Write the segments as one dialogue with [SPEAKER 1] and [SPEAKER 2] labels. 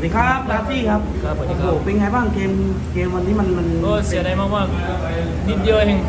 [SPEAKER 1] สวัสดีครับลาฟี่ครับ
[SPEAKER 2] ครับสวัสดี
[SPEAKER 1] โอ้
[SPEAKER 2] ครับ
[SPEAKER 1] โหเป็นไงบ้างเกมวันนี้มัน
[SPEAKER 2] ก็เสียดายมากๆนิดเดียวเอง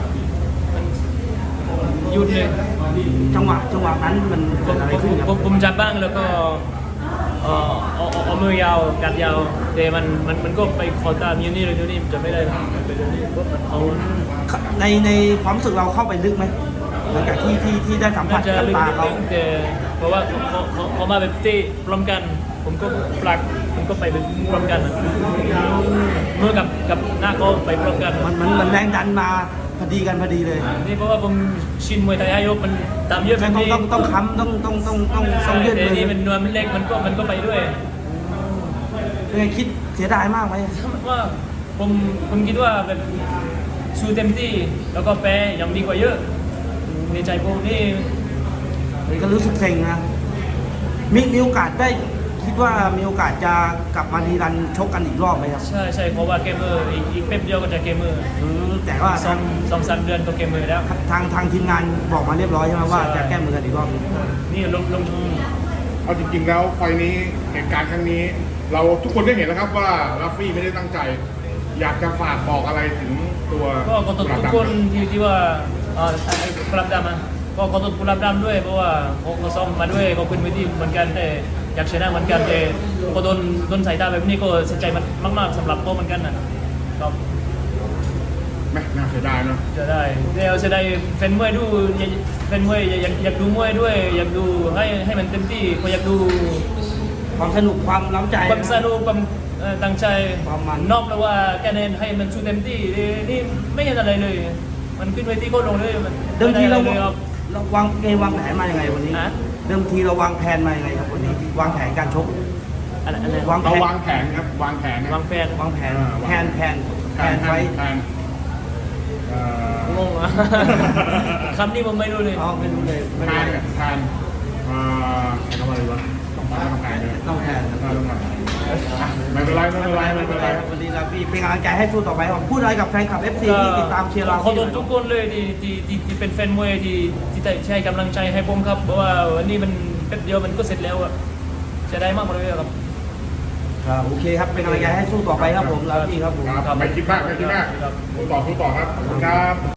[SPEAKER 2] หยุดเลย
[SPEAKER 1] จังหวะนั้นมัน
[SPEAKER 2] ผ
[SPEAKER 1] เกิด
[SPEAKER 2] ม
[SPEAKER 1] อะไร
[SPEAKER 2] ผม
[SPEAKER 1] ขึ้นครับ
[SPEAKER 2] ผมจับบ้างแล้วก็เอามือยาวกัดยาวแต่มันก็ไปขอตามยูนี่เลยยูนี่จะไม่ได้ไปยูนี่ก็มันเอา
[SPEAKER 1] ในความรู้สึกเราเข้าไปลึกไหมหลังจากที่ได้สัมผั
[SPEAKER 2] น่า
[SPEAKER 1] ส
[SPEAKER 2] จะ
[SPEAKER 1] กับ
[SPEAKER 2] ลึก
[SPEAKER 1] ตาเขา
[SPEAKER 2] ๆแต่เพราะว่าเขามาแบบเตะพร้อมกัน ผมก็ปลักผมก็ไปพร้อมกันเมื่อกับหน้าเขาไปพร้อมกัน
[SPEAKER 1] มันแรงดันมาพอดีเลย
[SPEAKER 2] นี่เพราะว่าผมชินมวยไทยยกมันตามเยอะแบบนี้
[SPEAKER 1] ต้องค้ำต้องยืด
[SPEAKER 2] แต่
[SPEAKER 1] เลย
[SPEAKER 2] นี่มันนวลมันเล็กมันก็ไปด้วย
[SPEAKER 1] เป็นไงคิดเสียดายมากไหม
[SPEAKER 2] ว่าผมคิดว่าแบบสู้เต็มที่แล้วก็แพ้ยังดีกว่าเยอะในใจผมนี่
[SPEAKER 1] เลยก็รู้สึกเซ็งนะมีโอกาสได้คิดว่ามีโอกาสจะกลับมาดีรันชกกันอีกรอบไหมครับ
[SPEAKER 2] ใช่เพราะว่าเกมเมอร์อีกแป๊บเดียวก็จะเกมเมอร์
[SPEAKER 1] แต่ว่า
[SPEAKER 2] สองสามเดือนก็เกมเมอร์แล้ว
[SPEAKER 1] ทางทีมงานบอกมาเรียบร้อยใช่ไหมว่า
[SPEAKER 2] ใช่
[SPEAKER 1] จะแก้มือกันอีกรอบนึง
[SPEAKER 2] นี่ลง
[SPEAKER 3] เอาจริงๆแล้วไฟล์นี้เหตุการณ์ครั้งนี้ เราทุกคนได้เห็นแล้วครับว่าลัฟฟี่ไม่ได้ตั้งใจ อยากจะฝากบอกอะไรถึงตัว
[SPEAKER 2] ก็ขอโทษ
[SPEAKER 3] กุหลาบ
[SPEAKER 2] ทุก
[SPEAKER 3] ดำ
[SPEAKER 2] คนที่ว่าไอ้กุหลาบดำอ่ะก็ขอโทษกุหลาบดำด้วยเพราะว่าเขาซ้อมมาด้วยเขาขึ้นเวทีเหมือนกันแต่อยากชนะเหมือนกันแต่พอโดนสายตาแบบนี้ก็เสียใจมากๆสำหรับเขาเหมือนกันนะครับ
[SPEAKER 3] แม่น่าเสียดายเนาะ
[SPEAKER 2] จะได้เดี๋ยวจะได้แฟนมวยดูแฟนมวยอยากดูมวยด้วย อยากดูให้มันเต็มที่เขาอยากดู
[SPEAKER 1] ความสนุกความล้ำใจ
[SPEAKER 2] ความสนุกความตั้งใจ
[SPEAKER 1] ความมัน
[SPEAKER 2] นอกแล้วว่าแกเน้นให้มันสู้เต็มที่นี่ไม่เห็นอะไรเลย มันขึ้นเวทีก็ลงเลยมัน
[SPEAKER 1] เดิมทีเรา
[SPEAKER 2] ไได้อะไรเลยครับ
[SPEAKER 1] วางเกมวางแผนมายังไงวันนี้
[SPEAKER 2] ฮะ
[SPEAKER 1] เดิมทีเราวางแผนมายังไงครับวันนี้วางแผนการชก
[SPEAKER 2] อะไร
[SPEAKER 1] วาง
[SPEAKER 3] เราวางแผนครับวางแผนนะ
[SPEAKER 2] วางแผน
[SPEAKER 1] วางแผน
[SPEAKER 3] วาง
[SPEAKER 1] แผน
[SPEAKER 3] แผน
[SPEAKER 1] ไว้
[SPEAKER 3] แผนเอ่อง
[SPEAKER 2] งอ่ะ คำนี้ผมไม่รู้เลย
[SPEAKER 1] เอาไม่รู้เลยไม่
[SPEAKER 3] แผ
[SPEAKER 1] เป็น
[SPEAKER 3] น
[SPEAKER 1] ไร
[SPEAKER 3] แผนใช้คำว่าอะไรวะต้องแผนเลย
[SPEAKER 1] ต้องแผนครับ
[SPEAKER 3] ต้องแผนไม่เป็นไรไม่เป็นไรไม่เป็นไร
[SPEAKER 1] ครับวันนี้เราพี่เป็นกำลังใจให้สู้ต่อไปครับพูดอะไรกับแฟนคลับ FC ที่ติดตามเชียร์เรา
[SPEAKER 2] ขอโทษทุกคนเลยที่เป็นแฟนมวยที่ให้กำลังใจให้ผมครับเพราะว่าวันนี้มันแป๊บเดียวมันก็เสร็จแล้วอะจะได้มากเลยครับ
[SPEAKER 1] ครับโอเคครับเป็นกำลังใจให้สู้ต่อไปครับผมเราพี่ครับผม
[SPEAKER 3] ครับไม่คิดมากไม่คิดมากสู้ต่อครับขอบคุณครับ